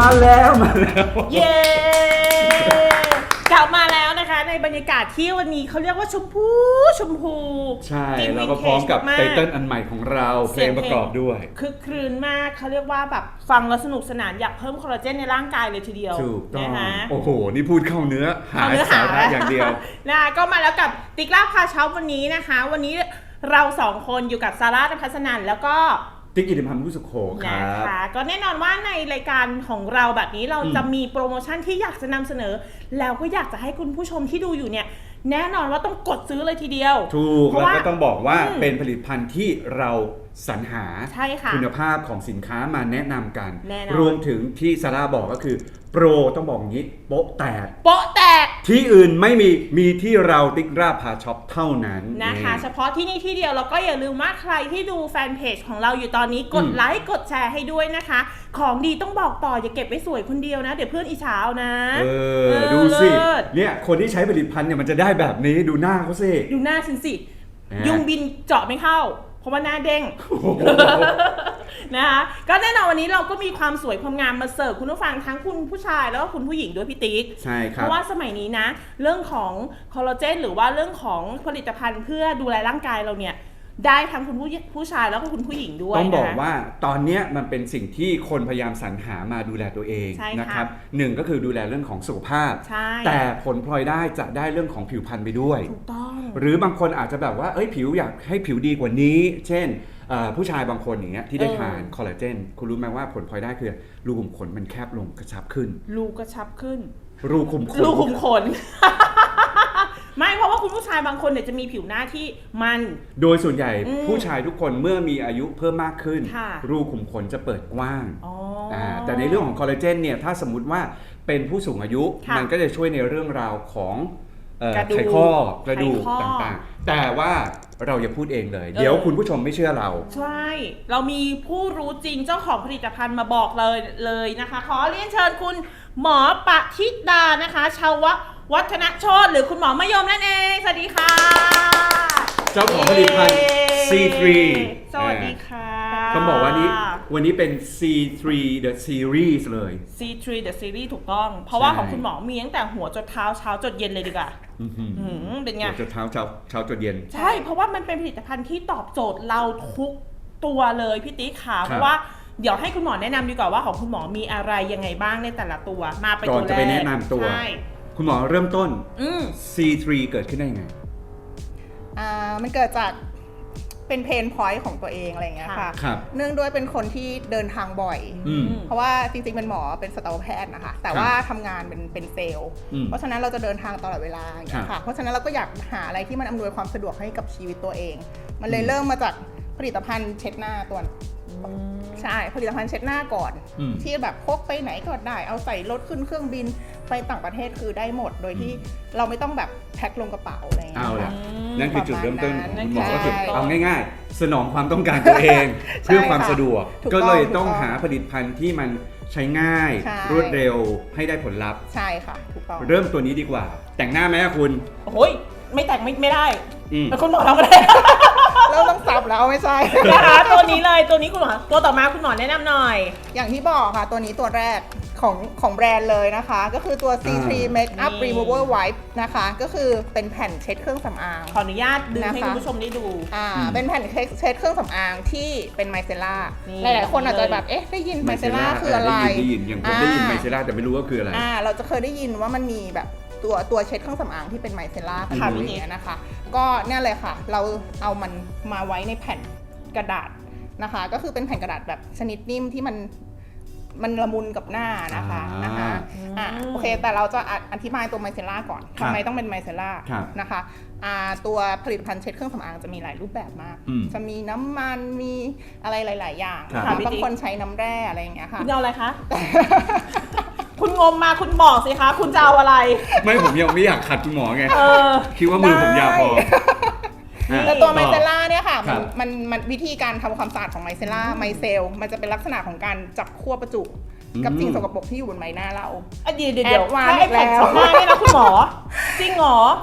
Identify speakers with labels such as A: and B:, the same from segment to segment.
A: แล้ว
B: เย้กลับมาแล้วนะคะในบรรยากาศที่วันนี้เขาเรียกว่าชมพู
A: ใช่แล้วก็พร้อมกับไตเติ้ลอันใหม่ของเราเพลงประกอบด้วย
B: คึกครื้นมากเขาเรียกว่าแบบฟังแล้วสนุกสนานอยากเพิ่มคอลลาเจนในร่างกายเลยทีเดียว
A: ถูกต้อง
B: นะคะ
A: โอ้โหนี่พูดเข้าเนื้อหาสาระอย่างเดียว
B: นะก็มาแล้วกับติ๊กล่าพาเช้าวันนี้นะคะวันนี้เรา2คนอยู่กับซาร่า ณภัสนันแล้วก็
A: ติ๊กกิติพันธ์ผู้สุขโขครับ
B: นะคะก็แน่นอนว่าในรายการของเราแบบนี้เราจะมีโปรโมชั่นที่อยากจะนำเสนอแล้วก็อยากจะให้คุณผู้ชมที่ดูอยู่เนี่ยแน่นอนว่าต้องกดซื้อเลยทีเดียว
A: ถูกแล้วก็ต้องบอกว่าเป็นผลิตภัณฑ์ที่เราสรรหาคุณภาพของสินค้ามาแนะนำกันรวมถึงที่ซาร่าบอกก็คือโปรต้องบอกงี้โป๊ะแตกที่อื่นไม่มีที่เราติ๊กราพาช็อปเท่านั้น
B: นะคะเฉพาะที่นี่ที่เดียวแล้วก็อย่าลืมว่าใครที่ดูแฟนเพจของเราอยู่ตอนนี้กดไลค์กดแชร์ให้ด้วยนะคะของดีต้องบอกต่ออย่าเก็บไว้สวยคนเดียวนะเดี๋ยวเพื่อนอิจฉานะ
A: ดูสิเนี่ยคนที่ใช้ผลิตภัณฑ์เนี่ยมันจะได้แบบนี้ดูหน้าเขาสิ
B: ดูหน้าฉันสิยุงบินเจาะไม่เข้าเพราะว่าหน้าเด้งนะคะก็แน่นอนวันนี้เราก็มีความสวยความงามมาเสิร์ฟคุณผู้ฟังทั้งคุณผู้ชายแล้วก็คุณผู้หญิงด้วยพี่ติ๊ก
A: ใช่ครับ
B: เพราะว่าสมัยนี้นะเรื่องของคอลลาเจนหรือว่าเรื่องของผลิตภัณฑ์เพื่อดูแลร่างกายเราเนี่ยได้ทั้งคุณผู้ชายแล้วก็คุณผู้หญิงด้วย
A: ต้องบอกว่าตอนนี้มันเป็นสิ่งที่คนพยายามสรรหามาดูแลตัวเองนะครับหนึ่งก็คือดูแลเรื่องของสุขภาพแต่ผลพลอยได้จะได้เรื่องของผิวพรรณไปด้วย
B: ถูกต้อง
A: หรือบางคนอาจจะแบบว่าผิวอยากให้ผิวดีกว่านี้เช่นผู้ชายบางคนอย่างเงี้ยที่ได้ทานคอลลาเจนคุณรู้ไหมว่าผลพลอยได้คือรูขุมขนมันแคบลงกระชับขึ้น
B: รูกระชับขึ้น
A: รูขุม
B: ขนไม่เพราะว่าคุณผู้ชายบางคนเนี่ยจะมีผิวหน้าที่มัน
A: โดยส่วนใหญ่ผู้ชายทุกคนเมื่อมีอายุเพิ่มมากขึ้นรูขุมขนจะเปิดกว้างแต่ในเรื่องของคอลลาเจนเนี่ยถ้าสมมุติว่าเป็นผู้สูงอายุมันก็จะช่วยในเรื่องราวของไขข้อกระดูกต่างๆแต่ว่าเราอย่าพูดเองเลยเดี๋ยวคุณผู้ชมไม่เชื่อเรา
B: ใช่เรามีผู้รู้จริงเจ้าของผลิตภัณฑ์มาบอกเลยนะคะขอเรียนเชิญคุณหมอปฏิดานะคะชาววัฒนโชติหรือคุณหมอมะยมนั่นเองสวัสดีค่ะ
A: เจ้าของผลิตภัณฑ์ C3
B: สวัสดีค่ะ
A: ต้องบอกว่าวันนี้เป็น C3 The Series เลย
B: C3 The Series ถูกต้องเพราะว่าของคุณหมอมีตั้งแต่หัวจดเท้าเช้าจดเย็นเลยดีกว่าเป็นไง
A: หัวจดเท้าเช้าจดเย็น
B: ใช่เพราะว่ามันเป็นผลิตภัณฑ์ที่ตอบโจทย์เราทุกตัวเลยพี่ติ๊กค่ะเพราะว่าเดี๋ยวให้คุณหมอแนะนำดีกว่าว่าของคุณหมอมีอะไรยังไงบ้างในแต่ละตัวมาไปตัวแรก
A: ก่อนจะไปแนะนำตัวคุณหมอเริ่มต้น C3 เกิดขึ้นได้ยังไง
C: มันเกิดจากเป็นเพนพอยต์ของตัวเองอะไรอย่างเงี้ยค่ะเนื่องด้วยเป็นคนที่เดินทางบ่อยเพราะว่าจริงๆเป็นหมอเป็นสัตวแพทย์นะคะแต่ว่าทำงานเป็นเซลล์เพราะฉะนั้นเราจะเดินทางตลอดเวลาอย่างเงี้ยค่ะเพราะฉะนั้นเราก็อยากหาอะไรที่มันอำนวยความสะดวกให้กับชีวิตตัวเองมันเลยเริ่มมาจากผลิตภัณฑ์เช็ดหน้าตัวใช่ผลิตภัณฑ์เช็ดหน้าก่อนที่แบบพกไปไหนก็ได้เอาใส่รถขึ้นเครื่องบินไปต่างประเทศคือได้หมดโดยที่เราไม่ต้องแบบแพ็คลงกระเป๋าอะไรอย่างเงี้ย
A: นั่นคือจุดเริ่มต้นของคุณหมอก็คือเอาง่ายๆสนองความต้องการตัวเองเพื่อความสะดวกก็เลยต้องหาผลิตภัณฑ์ที่มันใช้ง่ายรวดเร็วให้ได้ผลลัพธ์
C: ใช่ค่ะถูกต้อง
A: เริ่มตัวนี้ดีกว่าแต่งหน้าไหมคุณ
B: โอ้ยไม่แต่งไม่ได้แต่คุณหมอทำก็ได้
C: เราต้องสับแล้วไม่ใช่
B: นะคะตัวนี้เลยตัวนี้คุณหมอตัวต่อมาคุณหมอแนะนำหน่อย
C: อย่างที่บอกค่ะตัวนี้ตัวแรกของแบรนด์เลยนะคะก็คือตัว C3 Makeup Remover Wipe นะคะก็คือเป็นแผ่นเช็ดเครื่องสำอาง
B: ขออนุญาตดึงให้คุณผู้ชมได้ดู
C: เป็นแผ่นเช็ดเครื่องสำอางที่เป็นไมเซล่าหลายๆคนอาจจะแบบได้ยินไมเซล่าคืออะไร
A: ได้ยินอย่างผมได้ยินไมเซล่าแต่ไม่รู้ว่าคืออะไร
C: เราจะเคยได้ยินว่ามันมีแบบตัวเช็ดเครื่องสำอางที่เป็นไมเซล่าค่ะอย่างเงี้ยนะคะก็เนี่ยเลยค่ะเราเอามันมาไว้ในแผ่นกระดาษนะคะก็คือเป็นแผ่นกระดาษแบบชนิดนิ่มที่มันละมุนกับหน้านะคะโอเคแต่เราจะอธิบายตัวไมเซล่าก่อนทำไมต้องเป็นไมเซล่านะคะตัวผลิตภัณฑ์เช็ดเครื่องสำอางจะมีหลายรูปแบบมากจะมีน้ำมันมีอะไรหลายๆอย่างบางคนใช้น้ำแร่อะไรอย่างเงี้ยค่ะ
B: คุณเอาอะไรคะคุณงมมาคุณบอกสิคะคุณจะเอาอะไร
A: ไม่ผมยังไม่อยากขัดคุณหมอไงคิดว่ามือผมยาวพอ
C: แต่ตัวไมเซล่าเนี่ยค่ะมันวิธีการทำความสะอาดของไมเซล่าไมเซลมันจะเป็นลักษณะของการจับขั้วประจุกับสิ่งสกปรกที่อยู่บนใบหน้าเรา
B: เดี๋ยวถ้าไอ้แผ่นเช็ดหน้าเนี่ยนะคุณหมอจริงเหรอ
C: ใช่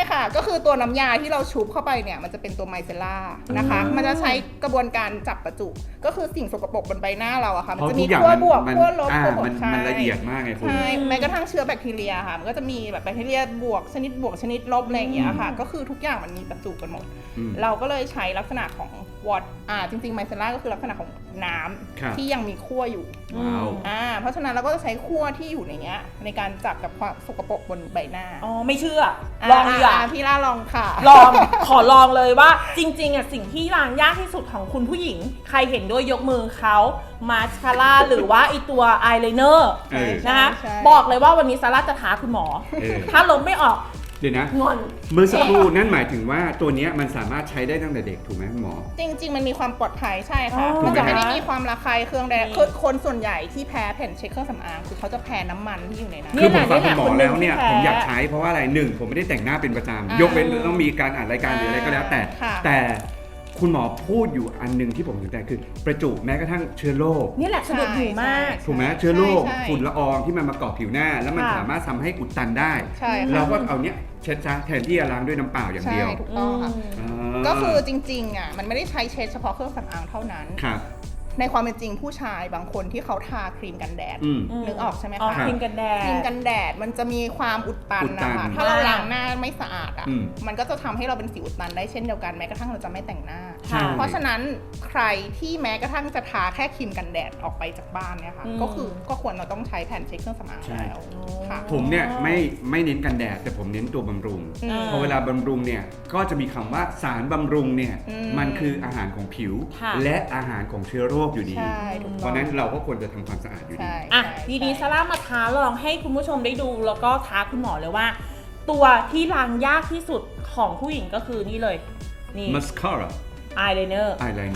C: ค่ะก็คือตัวน้ำยาที่เราชุบเข้าไปเนี่ยมันจะเป็นตัวไมเซล่านะคะมันจะใช้กระบวนการจับประจุก็คือสิ่งสกปรกบนใบหน้าเราอะค่ะมันจะมีขั้วบวกขั้วลบขั้วลบ
A: มันละเอียดมากไงคุณ
C: ใช่แม้กระทั่งเชื้อแบคทีเรียค่ะมันก็จะมีแบบแบคทีเรียบวกชนิดลบอะไรอย่างเงี้ยค่ะก็คือทุกอย่างมันมีประจุกันหมดเราก็เลยใช้ลักษณะของวอตจริงๆไมเซล่าก็คือลักษณะของน้ำที่ยังมีขั้วอยู่เพราะฉะนั้นเราก็จะใช้ขั้วที่อยู่ในเนี้ยในการจับกับความสกปรกบนใบหน้า
B: ไม่เชื่อลองดีกว่า
C: พี่ล่าลองค่ะ
B: ลองขอลองเลยว่าจริงๆอ่ะสิ่งที่ล้างยากที่สุดของคุณผู้หญิงใครเห็นด้วยยกมือเขามาสคาร่าหรือว่าไอตัวอายไลเนอร์นะคะบอกเลยว่าวันนี้ซาร่าจะท้าคุณหมอถ้าลบไม่ออก
A: เดี๋ยวนะ
B: งอน
A: เมื่อสักครู่นั่นหมายถึงว่าตัวนี้มันสามารถใช้ได้ตั้งแต่เด็กถูกไหมคุณหมอ
C: จริงๆมันมีความปลอดภัยใช่ค่ะมันจะไม่ได้มีความระคายเคืองใดคือคนส่วนใหญ่ที่แพ้แผ่นเช็ดเครื่องสำอางคือเขาจะแพ้น้ำมันที่อยู่ในนั้น
A: คือผมฟังคุณหมอแล้วเนี่ยผมอยากใช้เพราะว่าอะไรหนึ่งผมไม่ได้แต่งหน้าเป็นประจำยกเว้นต้องมีการอ่านรายการหรืออะไรก็แล้วแต่คุณหมอพูดอยู่อันนึงที่ผมสนใจคือประจุแม้กระทั่งเชื้อโรค
B: นี่แหละสะดุดหูมาก
A: ถูกไหมเชื้อโรคฝุ่นละอองที่มันมาเกาะผิวหน้าแล้วมันสามารถทำให้อุดตันได้เราก็เอาเนี้ยเช็ดซะแทนที่จะล้างด้วยน้ำเปล่าอย่างเดียว
C: ถูกต้องค่ะก็คือจริงๆอ่ะมันไม่ได้ใช้เช็ดเฉพาะเครื่องสำอางเท่านั้นในความเป็นจริงผู้ชายบางคนที่เขาทาครีมกันแดดนึกออกใช่ไหมคะ
B: ครีมกัน
C: แดดมันจะมีความอุดตันนะคะถ้าเราล้างหน้าไม่สะอาดอ่ะมันก็จะทำให้เราเป็นสิวอุดตันได้เช่นเดียวกันแม้กระทั่งเราจะไม่แต่งหน้าเพราะฉะนั้นใครที่แม้กระทั่งจะทาแค่ครีมกันแดดออกไปจากบ้านเนี่ยค่ะก็ควรเราต้องใช้แผ่นเช็ดเครื่องสำอางแล้ว
A: ผมเนี่ยไม่เน้นกันแดดแต่ผมเน้นตัวบำรุงพอเวลาบำรุงเนี่ยก็จะมีคำว่าสารบำรุงเนี่ยมันคืออาหารของผิวและอาหารของเชื้อโรคอยู่ดีเพราะนั้นเราก็ควรจะทำความสะอาดอยู่ดี
B: ทีนี้ซาร่ามาท้าลองให้คุณผู้ชมได้ดูแล้วก็ท้าคุณหมอเลยว่าตัวที่ล้างยากที่สุดของผู้หญิงก็คือนี่เลยนี่
A: mascara
B: eyeliner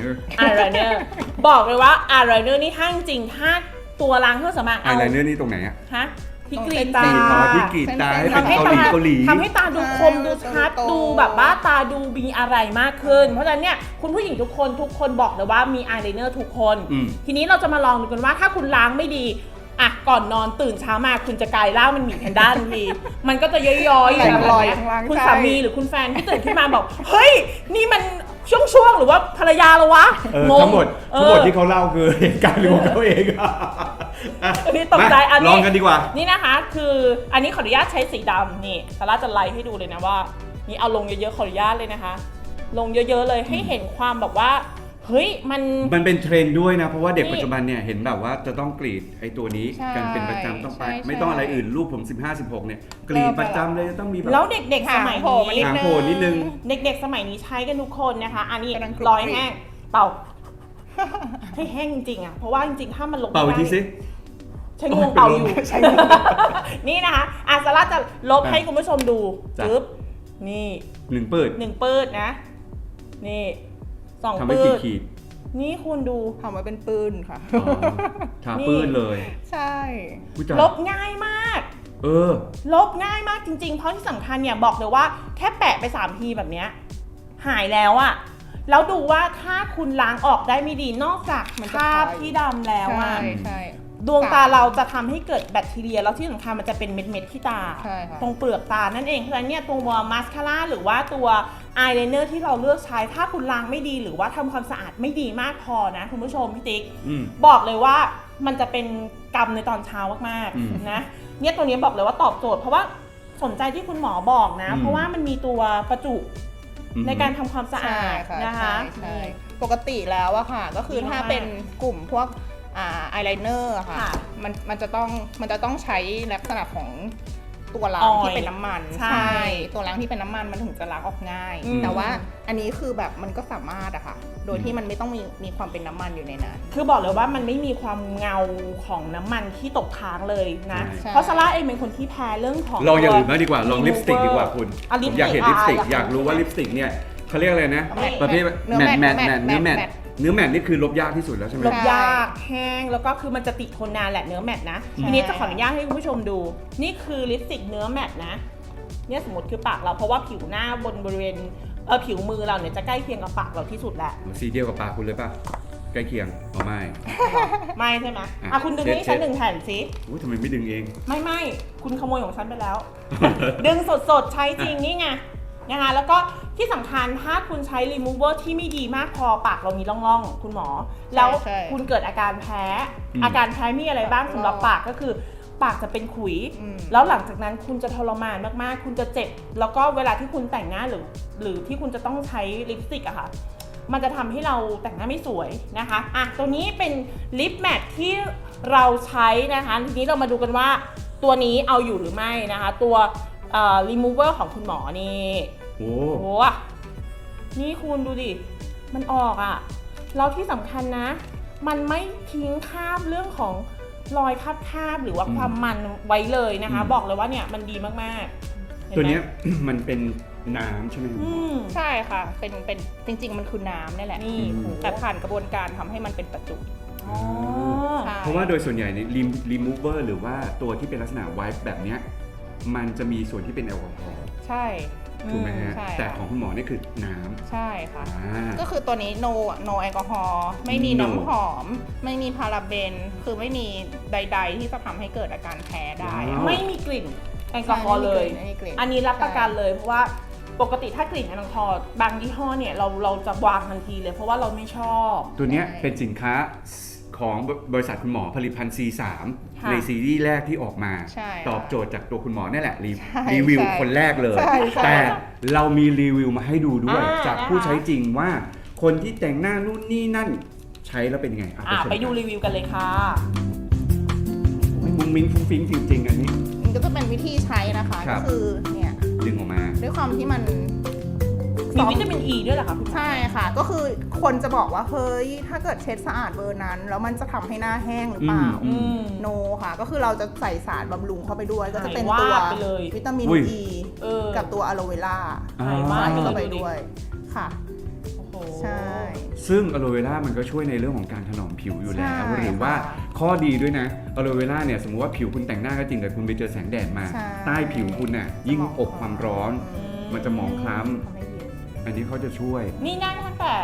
A: บอก
B: เลยว่า eyeliner นี่ถ้าจริงถ้าตัวล้างเครื่องสำอาง
A: eyeliner นี่ตรงไหนอะ
B: ฮะที่กรีดตา
A: ที่กรีดตาให้เป็นเกาหลี
B: ทำให้ตาดูคมดูชัดดูแบบว่าตาดูมีอะไรมากขึ้นเพราะฉะนั้นเนี่ยคุณผู้หญิงทุกคนบอกเลยว่ามีอายไลเนอร์ทุกคนทีนี้เราจะมาลองดูกันว่าถ้าคุณล้างไม่ดีอ่ะก่อนนอนตื่นเช้ามาคุณจะกลายร่างเป็นหมีแพนด้าทันทีมันก็จะย้อยๆอย่างไรคุณสามีหรือคุณแฟนที่ตื่นขึ้นมาบอกเฮ้ยนี่มันช่วงหรือว่าภรรยาเราวะ
A: ทั้งหมดที่เขาเล่าคือเหตุการณ์ของเขาเอง
B: นี่ตกใจอันนี้
A: ลองกันดีกว่า
B: นี่นะคะคืออันนี้ขออนุญาตใช้สีดำนี่ซาร่าจะไลฟ์ให้ดูเลยนะว่านี่เอาลงเยอะๆขออนุญาตเลยนะคะลงเยอะๆเลยให้เห็นความแบบว่าเฮ้ย
A: มันเป็นเทรนด์ด้วยนะเพราะว่าเด็กปัจจุบันเนี่ยเห็นแบบว่าจะต้องกรีดไอ้ตัวนี้กันเป็นประจำต้องไปไม่ต้องอะไรอื่นลูกผม15-16เนี่ยกรีดประจำเลยต้องมีแบบ
B: แล้วเด็กๆสมัยนี้
A: หางโผล่นิดนึง
B: เด็กๆสมัยนี้ใช้กันทุกคนนะคะอันนี้ร้อยแห้งเป่าให้แห้งจริงๆอ่ะเพราะว่าจริงๆถ้ามันลง
A: เป่าอีกทีสิ
B: ใช้งวงเป่าอยู่นี่นะคะซาร่าจะลบให้คุณผู้ชมดูปึ๊บนี่
A: 1 ปืด
B: นะนี่2 ปืดนี่คุณดู
C: ทำไว้เป็นปืนค่ะ
A: ทาปืนเลย
C: ใช่
B: ลบง่ายมากลบง่ายมากจริงๆเพราะที่สำคัญเนี่ยบอกเลยว่าแค่แปะไป3 ทีแบบเนี้ยหายแล้วอะแล้วดูว่าถ้าคุณล้างออกได้ไม่ดีนอกจากคราบที่ดำแล้วอะดวงตาเราจะทำให้เกิดแบคทีเรียแล้วที่สำคัญมันจะเป็นเม็ดๆที่ตาตรงเปลือกตานั่นเองเพราะฉะนั้นเนี่ยตัวมาสคาร่าหรือว่าตัวอายไลเนอร์ที่เราเลือกใช้ถ้าคุณล้างไม่ดีหรือว่าทำความสะอาดไม่ดีมากพอนะคุณผู้ชมพี่ติ๊กบอกเลยว่ามันจะเป็นกรรมในตอนเช้ามากๆนะเนี่ยตัวนี้บอกเลยว่าตอบโจทย์เพราะว่าสนใจที่คุณหมอบอกนะเพราะว่ามันมีตัวประจุในการทำความสะอาดนะคะ
C: ปกติแล้วอะค่ะก็คือถ้าเป็นกลุ่มพวกอายไลเนอร์ค่ะมันจะต้องใช้ลักษณะของตัวล้างที่เป็นน้ำมันใช่ตัวล้างที่เป็นน้ำมันมันถึงจะล้างออกง่ายแต่ว่าอันนี้คือแบบมันก็สามารถอะค่ะโดยที่มันไม่ต้องมีความเป็นน้ำมันอยู่ในนั้น
B: คือบอกเลยว่ามันไม่มีความเงาของน้ำมันที่ตกค้างเลยนะเพราะซาร่าเองเป็นคนที่แพ้เรื่องของ
A: ลองอย่างอื่นมากดีกว่าลองลิปสติกดีกว่าคุณอยากเห็นลิปสติกอยากรู้ว่าลิปสติกเนี่ยเขาเรียกอะไรนะประเภทแมทเนื้อแมทนี่คือลบยากที่สุดแล้วใช่ไหม
B: ลบยากแห้งแล้วก็คือมันจะติดทนนานแหละเนื้อแมทนะทีนี้จะขออนุญาตให้คุณผู้ชมดูนี่คือลิปสติกเนื้อแมทนะเนี่ยสมมติคือปากเราเพราะว่าผิวหน้าบริเวณผิวมือเราเนี่ยจะใกล้เคียงกับปากเราที่สุดแหละ
A: สีเดียวกับปากคุณเลยป่ะใกล้เคียง
B: ไม่ใช่ไหมคุณดึงให้ฉัน1 แผ่นสิ
A: ทำไมไม่ดึงเอง
B: ไม่คุณขโมยของฉันไปแล้ว ดึงสดๆใช้จริงนี่ไงนะคะแล้วก็ที่สำคัญถ้าคุณใช้ remover ที่ไม่ดีมากพอปากเรามีร่องๆคุณหมอแล้วคุณเกิดอาการแพ้อาการแพ้มีอะไรบ้างสำหรับปากก็คือปากจะเป็นขุยแล้วหลังจากนั้นคุณจะทรมานมากๆคุณจะเจ็บแล้วก็เวลาที่คุณแต่งหน้าหรือที่คุณจะต้องใช้ลิปสติกอะค่ะมันจะทำให้เราแต่งหน้าไม่สวยนะคะตัวนี้เป็นลิปแมทที่เราใช้นะคะทีนี้เรามาดูกันว่าตัวนี้เอาอยู่หรือไม่นะคะตัวremover ของคุณหมอนี่โอ้โหนี่คุณดูดิมันออกอะแล้วที่สำคัญนะมันไม่ทิ้งคราบเรื่องของรอยคราบหรือว่าความมันไว้เลยนะคะบอกเลยว่าเนี่ยมันดีมากๆ
A: ตัวนี้ มันเป็นน้ำใช่ไหม
C: ใช่ค่ะเป็นจริงๆมันคือน้ำนี่แหละนี่แต่ผ่านกระบวนการทำให้มันเป็นประจุ
A: เพราะว่าโดยส่วนใหญ่ใน remover หรือว่าตัวที่เป็นลักษณะ wipe แบบเนี้ยมันจะมีส่วนที่เป็นแอลกอฮอล์
C: ใช่
A: ถูกไหมฮะแต่ของคุณหมอนี่คือน้ำ
C: ใช่ค่ะก็คือตัวนี้ no แอลกอฮอล์ไม่มีน้ำหอมไม่มีพาราเบนคือไม่มีใดๆที่จะทำให้เกิดอาการแพ้ได้
B: ไม่มีกลิ่นแอลกอฮอล์เลยอันนี้รับประกันเลยเพราะว่าปกติถ้ากลิ่นแอลกอฮอล์บางยี่ห้อเนี่ยเราจะวางทันทีเลยเพราะว่าเราไม่ชอบ
A: ตัวนี้เป็นสินค้าของบริษัทคุณหมอผลิตภัณฑ์ C3 ในซีรีส์แรกที่ออกมาตอบโจทย์จากตัวคุณหมอนี่แหละรีวิวคนแรกเลยแต่เรามีรีวิวมาให้ดูด้วยจากผู้ใช้จริงว่าคนที่แต่งหน้านู่นนี่นั่นใช้แล้วเป็นยังไง
B: ไปดูรีวิวกันเลยค่ะ
A: มุ้งมิ้งฟุ้งฟิ้งจริงๆอันนี้
C: มันก็จะเป็นวิธีใช้นะคะก็คือเนี่ย
A: ดึงออกมา
C: ด้วยความที่มัน
B: มีวิตามิน E ด้วยเหรอคะ
C: ใช่ค่ะก็คือคนจะบอกว่าเฮ้ยถ้าเกิดเช็ดสะอาดเบอร์นั้นแล้วมันจะทำให้หน้าแห้งหรือเปล่าโนค่ะก็คือเราจะใส่สารบำรุงเข้าไปด้วยก็จะเป็นตัววิตามิน E กับตัวอะโลเวล่าใส่เข้าไปด้วยค่ะใช่
A: ซึ่งอะโลเวล่ามันก็ช่วยในเรื่องของการถนอมผิวอยู่แล้วหรือว่าข้อดีด้วยนะอะโลเวล่าเนี่ยสมมติว่าผิวคุณแต่งหน้าก็จริงแต่คุณไปเจอแสงแดดมาใต้ผิวคุณน่ะยิ่งอบความร้อนมันจะหมองคล้ำอันนี้เขาจะช่วย
B: นี่หน้าตั้งแต่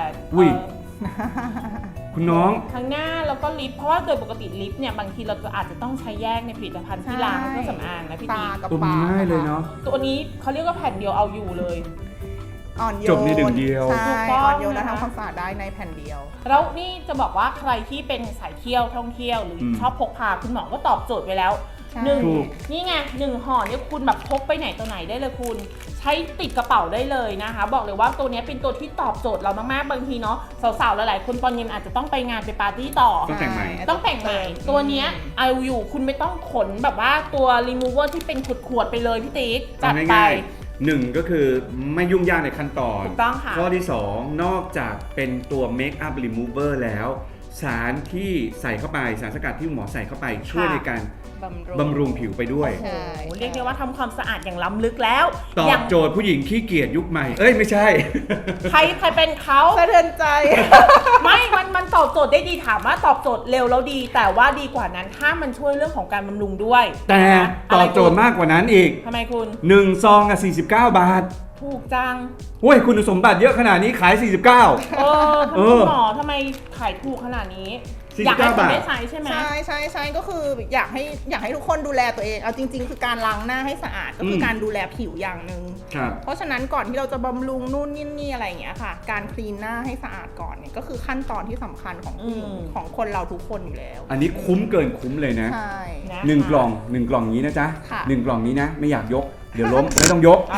A: คุณน้อง
B: ทั้งหน้าแล้วก็ลิปเพราะว่าโดยปกติลิปเนี่ยบางทีเราอาจจะต้องใช้แยกในผลิตภัณฑ์ที่ล้างเครื่องสำอางนะพี่ตี
A: ตัวง่ายเลยเนาะ
B: ตัวนี้เขาเรียกว่าแผ่นเดียวเอาอยู่เลย
C: อ่อนโยน
A: จบในหนึ่งเดียว
C: ใช่อ่อนโยนและทำความสะอาดได้ในแผ่นเดียว
B: แล้วนี่จะบอกว่าใครที่เป็นสายเที่ยวท่องเที่ยวหรือชอบพกพาคุณหมอก็ตอบโจทย์ไปแล้วนี่ไง1ห่อเนี่ยคุณแบบพกไปไหนตัวไหนได้เลยคุณใช้ติดกระเป๋าได้เลยนะคะบอกเลยว่าตัวนี้เป็นตัวที่ตอบโจทย์เรามากๆบางทีเนาะสาวๆหลายๆคนตอนเย็นอาจจะต้องไปงานไปปาร์ตี้ต่อ
A: ต้องแต่งใหม่
B: ตัวนี้เอาอยู่คุณไม่ต้องขนแบบว่าตัว remover ที่เป็นขวดๆไปเลยพี่ติ๊กจัดไป
A: 1ก็คือไม่ยุ่งยากในขั้นตอน
B: ถูกต้องค่ะ
A: ข้อที่2นอกจากเป็นตัว make up remover แล้วสารที่ใส่เข้าไปสารสกัดที่หมอใส่เข้าไปช่วยในการบำรุงผิวไปด้วย
B: เรียกได้ว่าทำความสะอาดอย่างล้ำลึกแล้ว
A: ตอบโจทย์ผู้หญิงขี้เกียจยุคใหม่ไม่ใช่
B: ใครเป็นเขา
C: สะเทือนใจ
B: ไม่มันตอบโจทย์ได้ดีถามว่าตอบโจทย์เร็วแล้วดีแต่ว่าดีกว่านั้นถ้ามันช่วยเรื่องของการบำรุงด้วย
A: แต่ตอบโจทย์มากกว่านั้นอีก
B: ทำไมคุณ
A: 1ซอง49 บาท
B: ถูกจัง
A: โอ้ยคุณสมบัติเยอะขนาดนี้ขาย49
B: คุณหมอทำไมขายถูกขนาดนี้อยากให้คุณได้ใช้ใช่ไหม
C: ใช่ก็คืออยากให้ทุกคนดูแลตัวเองเอาจริงๆคือการล้างหน้าให้สะอาดก็คือการดูแลผิวอย่างนึงเพราะฉะนั้นก่อนที่เราจะบำรุงนู่นนี่อะไรอย่างเงี้ยค่ะการคลีนหน้าให้สะอาดก่อนเนี่ยก็คือขั้นตอนที่สำคัญของคนเราทุกคนอยู่แล้ว
A: อันนี้คุ้มเกินคุ้มเลยนะ1 กล่องนี้นะจ๊ะ1 กล่องนี้นะไม่อยากยกเดี๋ยวล้มไม่ต้องยก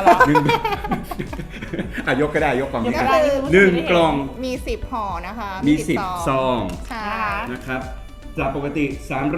A: ยกก็ได้ยกกล่องนี้1 กล่อง
C: มี10ห่อนะคะ
A: มี10ซองนะครับจากปกติ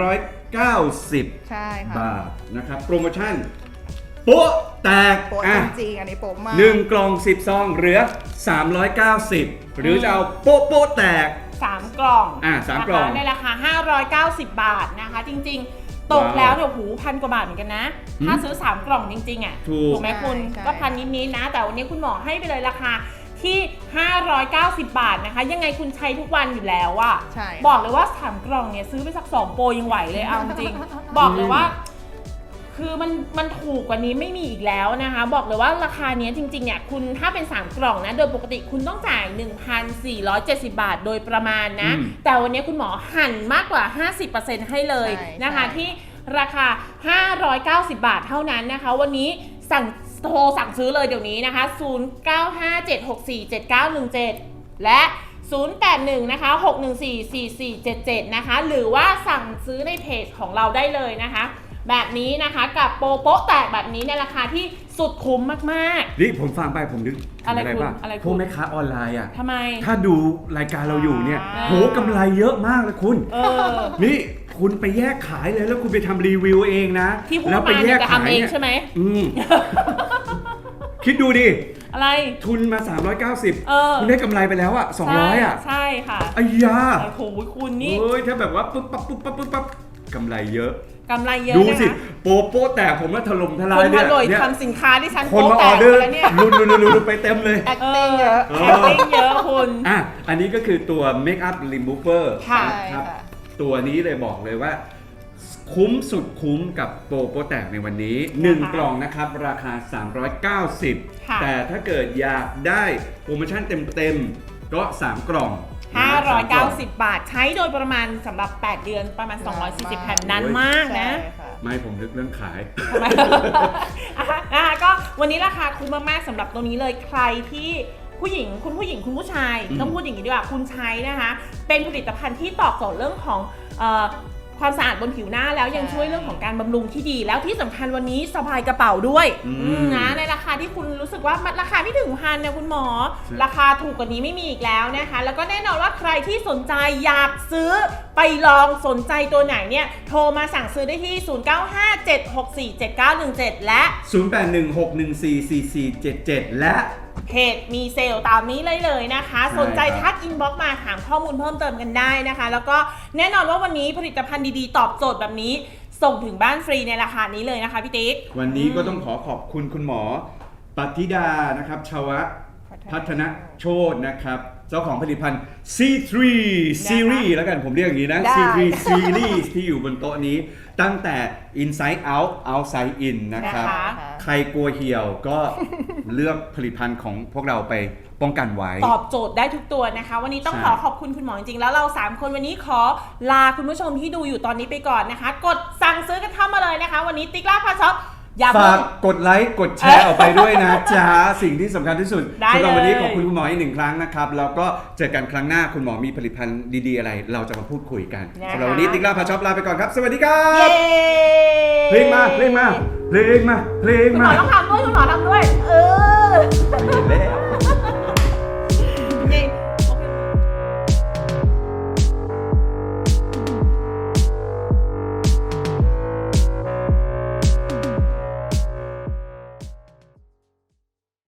A: 390บาทนะครับโปรโมชั่นโป๊ะแตก
C: จริงอันนี้โป๊ะมาก
A: 1 กล่อง10ซองเหลือ390หรือจะเอาโป๊ะแตก
B: 3 กล่อง
A: 3 กล่อง
B: ในราคา590บาทนะคะจริงๆตกแล้วเนี่ย1,000 กว่าบาทเหมือนกันนะถ้าซื้อ3 กล่องจริงๆอ่ะถูกไหมคุณก็1,000 นิดๆนะแต่วันนี้คุณหมอให้ไปเลยราคาที่590บาทนะคะยังไงคุณใช้ทุกวันอยู่แล้วอะบอกเลยว่า3 กล่องเนี่ยซื้อไปสัก2 โปรยังไหวเลยเอาจริงบอกเลยว่าคือมันถูกกว่านี้ไม่มีอีกแล้วนะคะบอกเลยว่าราคานี้จริงๆเนี่ยคุณถ้าเป็น3 กล่องนะโดยปกติคุณต้องจ่าย 1,470 บาทโดยประมาณนะแต่วันนี้คุณหมอหั่นมากกว่า 50% ให้เลยนะคะที่ราคา590บาทเท่านั้นนะคะวันนี้สั่งโทรสั่งซื้อเลยเดี๋ยวนี้นะคะ 0957647917 และ 081 นะคะ 6144477 นะคะหรือว่าสั่งซื้อในเพจของเราได้เลยนะคะแบบนี้นะคะกับโปรโป๊ะแตกแบบนี้ในราคาที่สุดคุ้มมาก
A: ๆนี่ผมฟังไปผมนึก
B: อะไรคุณ
A: ป่ะ
B: อะไรคุณ
A: พวกแม่ค้าออนไลน์อ่ะ
B: ทำไม
A: ถ้าดูรายการเราอยู่เนี่ยโหกำไรเยอะมากเลยคุณนี่คุณไปแยกขายเลยแล้วคุณไปทำรีวิวเองนะ
B: ที่พูด
A: แล้วไป
B: มา
A: แย
B: เนี่ย
A: ก
B: จะ
A: ขาย
B: ทำเองใช่ไหม
A: คิดดูดิ
B: อะไร
A: ทุนมา390คุณได้กำไรไปแล้วอ่ะ200อ่ะ
B: ใช่ค่ะ
A: อ้ยา
B: โอ้โหคุณนี่
A: เฮ้ยถ้าแบบว่าปุ๊บปั๊บปุ๊บปั๊บปุ๊บปั๊บกำไรเยอะดูสิโปะแตกผมว่าถล่มทลาย
B: เนี่ยทำสินค้าที่ฉัน
A: คนมาออเดอร์ลุ้นไปเต็มเลย
C: acting เยอะ
B: acting เยอะคุณ
A: อันนี้ก็คือตัว Make Up Remover
B: ครับ
A: ตัวนี้เลยบอกเลยว่าคุ้มสุดคุ้มกับโปะแตกในวันนี้1กล่องนะครับราคา390แต่ถ้าเกิดอยากได้โปรโมชั่นเต็มๆก็3กล่อง
B: 590 บาทใช้โดยประมาณสำหรับ8เดือนประมาณ240แผ่นนานมากนะ
A: ไม่ผมนึกเรื่องขาย
B: นะคะก็วันนี้ราคาคุ้มมากๆสำหรับตัวนี้เลยใครที่ผู้หญิงคุณผู้ชายต้องพูดอย่างนี้ดีกว่าคุณใช้นะคะเป็นผลิตภัณฑ์ที่ตอบโจทย์เรื่องของความสะอาดบนผิวหน้าแล้วยังช่วยเรื่องของการบำรุงที่ดีแล้วที่สำคัญวันนี้สบายกระเป๋าด้วยนะในราคาที่คุณรู้สึกว่าราคาไม่ถึงพันนะคุณหมอราคาถูกกว่านี้ไม่มีอีกแล้วนะคะแล้วก็แน่นอนว่าใครที่สนใจอยากซื้อไปลองสนใจตัวไหนเนี่ยโทรมาสั่งซื้อได้ที่0957647917และ
A: 0816144477และ
B: เพจมีเซลล์ตามนี้เลยนะคะสนใจทักอินบ็อกซ์มาถามข้อมูลเพิ่มเติมกันได้นะคะแล้วก็แน่นอนว่าวันนี้ผลิตภัณฑ์ดีๆตอบโจทย์แบบนี้ส่งถึงบ้านฟรีในราคานี้เลยนะคะพี่ติ๊ก
A: วันนี้ก็ต้องขอบคุณคุณหมอปฏิดานะครับชวพัฒนโชตินะครับเจ้าของผลิตภัณฑ์ C3 Series แล้วกันผมเรียกอย่างนี้นะ C3 Series ที่อยู่บนโต๊ะนี้ตั้งแต่ Inside Out Outside In นะครับใครกลัวเหี่ยวก็เลือกผลิตภัณฑ์ของพวกเราไปป้องกันไว้
B: ตอบโจทย์ได้ทุกตัวนะคะวันนี้ต้องขอบคุณคุณหมอจริงๆแล้วเรา3คนวันนี้ขอลาคุณผู้ชมที่ดูอยู่ตอนนี้ไปก่อนนะคะกดสั่งซื้อกันเข้ามาเลยนะคะวันนี้ติ๊กล่าพาช็อป
A: ฝากกดไลค์กดแชร์ออกไปด้วยนะจ๊ะสิ่งที่สำคัญที่สุดสำหรับวันนี้ขอบคุณคุณหมออีก1ครั้งนะครับแล้วก็เจอกันครั้งหน้าคุณหมอมีผลิตภัณฑ์ดีๆอะไรเราจะมาพูดคุยกันสำหรับวันนี้ติ๊กล่าพาช็อปลาไปก่อนครับสวัสดีครับเพลงมาคุณหมอต้องทำด้วย